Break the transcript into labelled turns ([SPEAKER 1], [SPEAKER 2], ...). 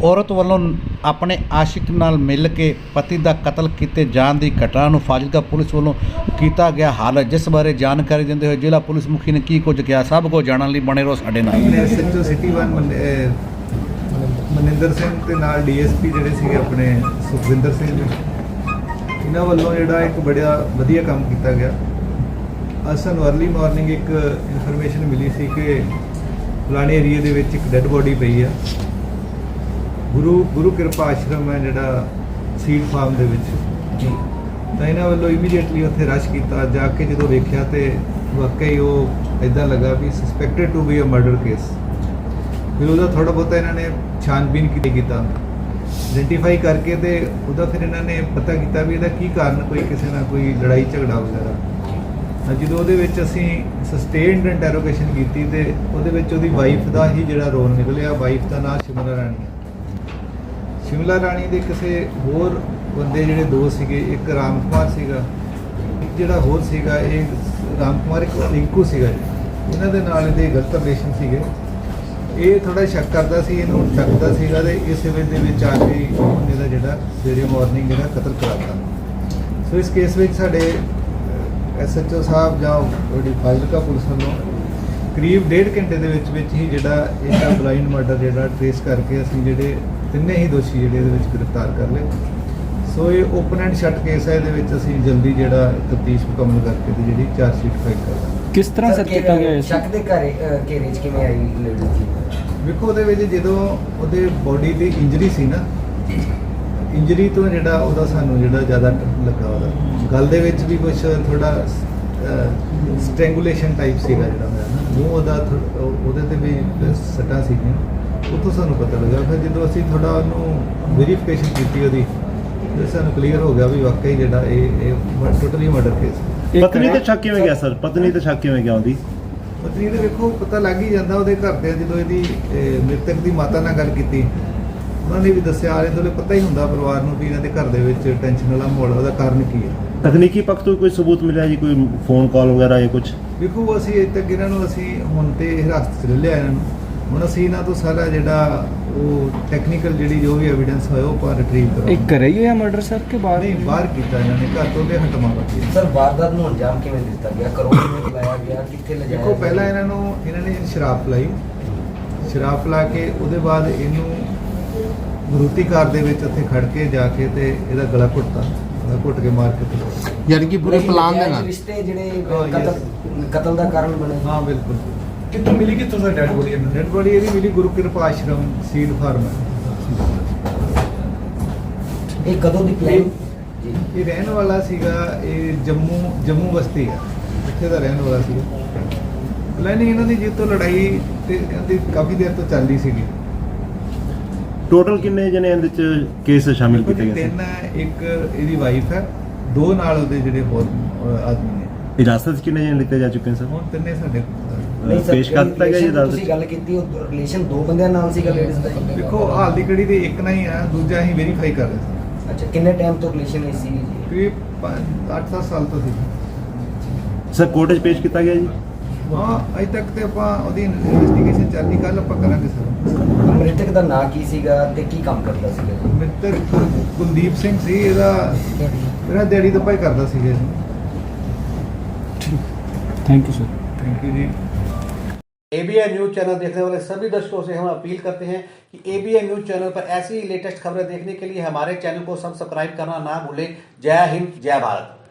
[SPEAKER 1] औरत वालों अपने आशिक नाल मिल के पति का कतल किए जाने की घटना नूं फाजिलका पुलिस वालों किया गया हल, जिस बारे जानकारी देंदे हुए जिला पुलिस मुखी ने की कुछ कहा, सब को जानने लिए बने रहो साडे नाल।
[SPEAKER 2] SHO सिटी 1 ਮਨਿੰਦਰ ਸਿੰਘ ਤੇ ਨਾਲ DSP ਜਿਹੜੇ ਸੀਗੇ ਆਪਣੇ ਸੁਖਵਿੰਦਰ ਸਿੰਘ ਜੀ, ਇਹਨਾਂ ਵੱਲੋਂ ਜਿਹੜਾ ਇੱਕ ਬੜਾ ਵਧੀਆ ਕੰਮ ਕੀਤਾ ਗਿਆ। ਅੱਜ ਸਾਨੂੰ अर्ਲੀ ਮਾਰਨਿੰਗ ਇੱਕ ਇਨਫੋਰਮੇਸ਼ਨ ਮਿਲੀ ਸੀ ਕਿ ਫਲਾਣੇ ਏਰੀਏ ਦੇ ਵਿੱਚ ਇੱਕ ਡੈੱਡ ਬੋਡੀ ਪਈ ਆ। ਗੁਰੂ ਕਿਰਪਾ ਆਸ਼ਰਮ ਹੈ ਜਿਹੜਾ ਸੀਡ ਫਾਰਮ ਦੇ ਵਿੱਚ ਜੀ, ਤਾਂ ਇਹਨਾਂ ਵੱਲੋਂ ਇਮੀਡੀਏਟਲੀ ਉੱਥੇ ਰਸ਼ ਕੀਤਾ। ਜਾ ਕੇ ਜਦੋਂ ਵੇਖਿਆ ਤੇ ਵਾਕਈ ਉਹ ਇੱਦਾਂ ਲੱਗਾ ਵੀ suspected to be a murder case. फिर ਉਹਦਾ थोड़ा बहुत इन्होंने छानबीन किया, आइडेंटिफाई करके तो ਉਹਦਾ फिर इन्होंने पता किया भी ਇਹਦਾ ਕੀ ਕਾਰਨ, कोई किसी ना कोई लड़ाई झगड़ा वगैरह। ਜਦੋਂ ਉਹਦੇ ਵਿੱਚ ਅਸੀਂ ਸਸਟੇਨਡ ਇੰਟਰੋਗੇਸ਼ਨ ਕੀਤੀ ਤੇ ਉਹਦੇ ਵਿੱਚ ਉਹਦੀ ਵਾਈਫ ਦਾ ਹੀ ਜਿਹੜਾ ਰੋਲ ਨਿਕਲਿਆ। ਵਾਈਫ ਦਾ ਨਾਮ ਸ਼ਿਮਲਾ ਰਾਣੀ ਹੈ। ਸ਼ਿਮਲਾ ਰਾਣੀ ਦੇ ਕਿਸੇ ਹੋਰ ਬੰਦੇ ਜਿਹੜੇ ਦੋ ਸੀਗੇ, ਇੱਕ ਰਾਮ ਕੁਮਾਰ ਸੀਗਾ, ਇੱਕ ਜਿਹੜਾ ਹੋਰ ਸੀਗਾ ਇਹ ਰਾਮ ਕੁਮਾਰ ਇੱਕ ਰਿੰਕੂ ਸੀਗਾ ਜੀ, ਇਹਨਾਂ ਦੇ ਨਾਲ ਇਹਦੇ ਗਲਤ ਰਿਲੇਸ਼ਨ ਸੀਗੇ। ਇਹ ਥੋੜਾ ਸ਼ੱਕ ਕਰਦਾ ਸੀ, ਇਹਨੂੰ ਸ਼ੱਕਦਾ ਸੀਗਾ ਤੇ ਇਸ ਵੇਲੇ ਦੇ ਵਿੱਚ ਆ ਕੇ ਉਹਨੇ ਦਾ ਜਿਹੜਾ ਸਵੇਰੇ ਮਾਰਨਿੰਗ ਜਿਹੜਾ ਕਤਲ ਕਰਾਤਾ। ਸੋ ਇਸ ਕੇਸ ਵਿੱਚ ਸਾਡੇ SHO ਸਾਹਿਬ ਜਾਂ ਉਹਦੀ ਫਾਜ਼ਿਲਕਾ ਪੁਲਿਸ ਵੱਲੋਂ ਕਰੀਬ 1.5 ਘੰਟੇ ਦੇ ਵਿੱਚ ਹੀ ਜਿਹੜਾ ਇਹਦਾ ਬਲਾਈਂਡ ਮਰਡਰ ਜਿਹੜਾ ਟ੍ਰੇਸ ਕਰਕੇ ਅਸੀਂ ਜਿਹੜੇ ਤਿੰਨੇ ਹੀ ਦੋਸ਼ੀ ਜਿਹੜੇ ਇਹਦੇ ਵਿੱਚ ਗ੍ਰਿਫਤਾਰ ਕਰ ਲਏ। ਸੋ ਇਹ ਓਪਨ ਐਂਡ ਸ਼ਟ ਕੇਸ ਹੈ। ਇਹਦੇ ਵਿੱਚ ਅਸੀਂ ਜਲਦੀ ਜਿਹੜਾ ਤਫਤੀਸ਼ ਮੁਕੰਮਲ ਕਰਕੇ ਤੇ ਜਿਹੜੀ ਚਾਰਜ ਸ਼ੀਟ ਫਾਈਲ ਕਰਾਂਗੇ।
[SPEAKER 3] ਕਿਸ ਤਰ੍ਹਾਂ ਸਰ ਕੀਤਾ ਗਿਆ ਇਸ
[SPEAKER 4] ਸ਼ੱਕ ਦੇ ਘੇਰੇ 'ਚ ਕਿਵੇਂ ਆਈ ਲੇਡੀ ਜੀ?
[SPEAKER 2] ਵੇਖੋ ਉਹਦੇ ਵਿੱਚ ਜਦੋਂ ਉਹਦੇ ਬੋਡੀ ਦੀ ਇੰਜਰੀ ਸੀ ਨਾ, ਇੰਜਰੀ ਤੋਂ ਜਿਹੜਾ ਉਹਦਾ ਸਾਨੂੰ ਜਿਹੜਾ ਜ਼ਿਆਦਾ ਲੱਗਾ ਉਹਦਾ ਗਲ ਦੇ ਵਿੱਚ ਵੀ ਕੁਝ ਥੋੜਾ ਸਟ੍ਰੈਂਗੂਲੇਸ਼ਨ ਟਾਈਪ ਸੀਗਾ ਜਿਹੜਾ ਹੋਇਆ ਨਾ, ਮੂੰਹ ਉਹਦਾ ਉਹਦੇ ਤੇ ਵੀ ਸੱਟਾਂ ਸੀਗੀਆਂ। ਉੱਥੋਂ ਸਾਨੂੰ ਪਤਾ ਲੱਗਾ। ਫਿਰ ਜਦੋਂ ਅਸੀਂ ਥੋੜਾ ਉਹਨੂੰ ਵੈਰੀਫਿਕੇਸ਼ਨ ਕੀਤੀ ਉਹਦੀ, ਤੇ ਸਾਨੂੰ ਕਲੀਅਰ ਹੋ ਗਿਆ ਵੀ ਵਾਕਈ ਜਿਹੜਾ ਇਹ ਟੋਟਲੀ ਮਰਡਰ ਕੇਸ।
[SPEAKER 5] ਪਤਨੀ ਤੇ ਸ਼ੱਕ ਕਿਵੇਂ ਗਿਆ ਸਰ? ਪਤਨੀ ਤੇ ਸ਼ੱਕ ਕਿਵੇਂ ਗਿਆ ਉਹਦੀ?
[SPEAKER 2] ਪਤਨੀ ਦੇ ਵੇਖੋ ਪਤਾ ਲੱਗ ਹੀ ਜਾਂਦਾ ਉਹਦੇ ਘਰ ਦੇ। ਜਦੋਂ ਇਹਦੀ ਮ੍ਰਿਤਕ ਦੀ ਮਾਤਾ ਨਾਲ ਗੱਲ ਕੀਤੀ, ਉਹਨਾਂ ਨੇ ਵੀ ਦੱਸਿਆ, ਆਲੇ ਦੁਆਲੇ ਪਤਾ ਹੀ ਹੁੰਦਾ ਪਰਿਵਾਰ ਨੂੰ ਵੀ ਇਹਨਾਂ ਦੇ ਘਰ ਦੇ ਵਿੱਚ ਟੈਨਸ਼ਨ ਵਾਲਾ ਮਾਹੌਲ, ਉਹਦਾ ਕਾਰਨ ਕੀ ਹੈ।
[SPEAKER 5] ਤਕਨੀਕੀ ਪੱਖ ਤੋਂ ਕੋਈ ਸਬੂਤ ਮਿਲਿਆ ਜੀ, ਕੋਈ ਫੋਨ ਕਾਲ ਵਗੈਰਾ ਜਾਂ ਕੁਝ?
[SPEAKER 2] ਵੇਖੋ ਅਸੀਂ ਇੱਥੇ ਤੱਕ ਇਹਨਾਂ ਨੂੰ ਅਸੀਂ ਹੁਣ ਤੇ ਹਿਰਾਸਤ 'ਚ ਲੈ ਲਿਆ ਇਹਨਾਂ ਨੂੰ। ਹੁਣ ਅਸੀਂ ਇਹਨਾਂ ਤੋਂ ਸਾਰਾ ਜਿਹੜਾ ਉਹ ਟੈਕਨੀਕਲ ਜਿਹੜੀ ਜੋ ਵੀ ਐਵੀਡੈਂਸ ਹੋਇਆ ਉਹ ਪਰ ਰਿਟਰੀਵ ਕਰਾਂਗੇ।
[SPEAKER 3] ਇੱਕ ਘਰੇ ਹੀ ਹੋਇਆ ਮਰਡਰ ਸਰ ਕੇ ਬਾਹਰ?
[SPEAKER 2] ਨਹੀਂ, ਬਾਹਰ ਕੀਤਾ ਇਹਨਾਂ ਨੇ, ਘਰ ਤੋਂ ਤੇ ਹਟਵਾ ਰੱਖੀ।
[SPEAKER 4] ਸਰ ਵਾਰਦਾਤ ਨੂੰ ਅੰਜਾਮ ਕਿਵੇਂ ਦਿੱਤਾ ਗਿਆ? ਘਰੋਂ ਕਿਵੇਂ ਲਾਇਆ ਗਿਆ? ਕਿੱਥੇ ਲਿਜਾਇਆ?
[SPEAKER 2] ਦੇਖੋ ਪਹਿਲਾਂ ਇਹਨਾਂ ਨੇ ਸ਼ਰਾਬ ਪਿਲਾਈ। ਸ਼ਰਾਬ ਪਿਲਾ ਕੇ ਉਹਦੇ ਬਾਅਦ ਇਹਨੂੰ ਮਰੂਤੀ ਕਾਰ ਦੇ ਵਿੱਚ ਉੱਥੇ ਖੜ ਕੇ ਜਾ ਕੇ ਤੇ ਇਹਦਾ ਗਲਾ ਘੁੱਟ ਕੇ ਮਾਰ ਕੇ ਤੇ
[SPEAKER 6] ਯਾਨੀ ਕਿ ਪੂਰੇ ਪਲਾਨ ਦੇ ਨਾਲ
[SPEAKER 4] ਰਿਸ਼ਤੇ ਜਿਹੜੇ ਕਤਲ ਦਾ ਕਾਰਨ ਬਣੇ।
[SPEAKER 2] ਹਾਂ ਬਿਲਕੁਲ।
[SPEAKER 7] ਕਿੱਥੋਂ ਮਿਲੀ, ਕਿੱਥੋਂ ਦਾ ਡੈਡ ਬੋਡੀ?
[SPEAKER 2] ਡੈਡ ਬੋਡੀ ਇਹਦੀ ਮਿਲੀ ਗੁਰੂ ਕਿਰਪਾ ਆਸ਼ਰਮ ਸੀਡ ਫਾਰਮ ਹੈ।
[SPEAKER 4] ਇਹ ਕਦੋਂ ਦੀ ਪਲਾਨ ਜੀ?
[SPEAKER 2] ਇਹ ਰਹਿਣ ਵਾਲਾ ਸੀਗਾ, ਇਹ ਜੰਮੂ ਬਸਤੀ ਹੈ, ਇੱਥੇ ਦਾ ਰਹਿਣ ਵਾਲਾ ਸੀਗਾ। ਪਲੈਨਿੰਗ ਇਹਨਾਂ ਦੀ ਜਿੱਤੋਂ ਲੜਾਈ ਤੇ ਕਹਿੰਦੀ ਕਾਫੀ ਦੇਰ ਤੋਂ ਚੱਲਦੀ ਸੀਗੀ।
[SPEAKER 5] ਟੋਟਲ ਕਿੰਨੇ ਜਣੇ ਇਹਦੇ ਚ ਕੇਸ ਸ਼ਾਮਿਲ ਕੀਤੇ ਗਏ?
[SPEAKER 2] ਤਿੰਨ ਹੈ, ਇੱਕ ਇਹਦੀ ਵਾਈਫ ਹੈ, ਦੋ ਨਾਲ ਉਹਦੇ ਜਿਹੜੇ ਹੋਰ ਆਦਮੀ ਨੇ।
[SPEAKER 5] ਇਜਾਜ਼ਤ ਕਿੰਨੇ ਜਣੇ ਲਿੱਤੇ ਜਾ ਚੁੱਕੇ ਨੇ ਸਰ?
[SPEAKER 2] ਹੁਣ ਤਿੰਨੇ ਸਾਡੇ
[SPEAKER 4] ਨਹੀਂ ਸਰ,
[SPEAKER 5] ਪੇਸ਼ ਕਰ ਦਿੱਤਾ ਗਿਆ ਜੀ ਅਦਾਲਤ
[SPEAKER 4] ਤੁਸੀਂ
[SPEAKER 5] ਚ?
[SPEAKER 4] ਗੱਲ ਕੀਤੀ ਉਹ ਰਿਲੇਸ਼ਨ ਦੋ ਬੰਦਿਆਂ ਨਾਲ ਸੀਗਾ ਲੇਡੀਜ਼ ਦਾ?
[SPEAKER 2] ਦੇਖੋ ਹਾਲ ਦੀ ਘੜੀ ਦੇ ਇੱਕ ਨਾ ਹੀ ਆ, ਦੂਜਾ ਅਸੀਂ ਵੈਰੀਫਾਈ ਕਰ ਰਹੇ ਸੀ।
[SPEAKER 4] ਅੱਛਾ, ਕਿੰਨੇ ਟਾਈਮ ਤੋਂ ਰਿਲੇਸ਼ਨ ਹੈ ਸੀ ਜੀ?
[SPEAKER 2] ਕਰੀਬ 8-7 ਸਾਲ ਤੋਂ ਸੀ।
[SPEAKER 5] ਸਰ ਕੋਰਟ 'ਚ ਪੇਸ਼ ਕੀਤਾ ਗਿਆ ਜੀ?
[SPEAKER 2] ਹਾਂ, ਅਜੇ ਤੱਕ ਤੇ ਆਪਾਂ ਉਹਦੀ ਇਨਵੈਸਟੀਗੇਸ਼ਨ ਚੱਲਦੀ, ਕੱਲ ਆਪਾਂ ਕਰਾਂਗੇ ਸਰ।
[SPEAKER 4] ਮ੍ਰਿਤਕ ਦਾ ਨਾਂ ਕੀ ਸੀਗਾ ਤੇ ਕੀ ਕੰਮ ਕਰਦਾ ਸੀਗਾ ਜੀ?
[SPEAKER 2] ਮ੍ਰਿਤਕ ਕੁਲਦੀਪ ਸਿੰਘ ਸੀ। ਇਹਦਾ ਮੇਰਾ ਦਿਹਾੜੀ ਦੱਪਾ ਹੀ ਕਰਦਾ ਸੀਗਾ ਜੀ।
[SPEAKER 3] Thank you sir.
[SPEAKER 2] Thank you जी।
[SPEAKER 1] ABI न्यूज़ चैनल देखने वाले सभी दर्शकों से हम अपील करते हैं कि ABI न्यूज़ चैनल पर ऐसी ही लेटेस्ट खबरें देखने के लिए हमारे चैनल को सब्सक्राइब करना ना भूलें। जय हिंद, जय भारत।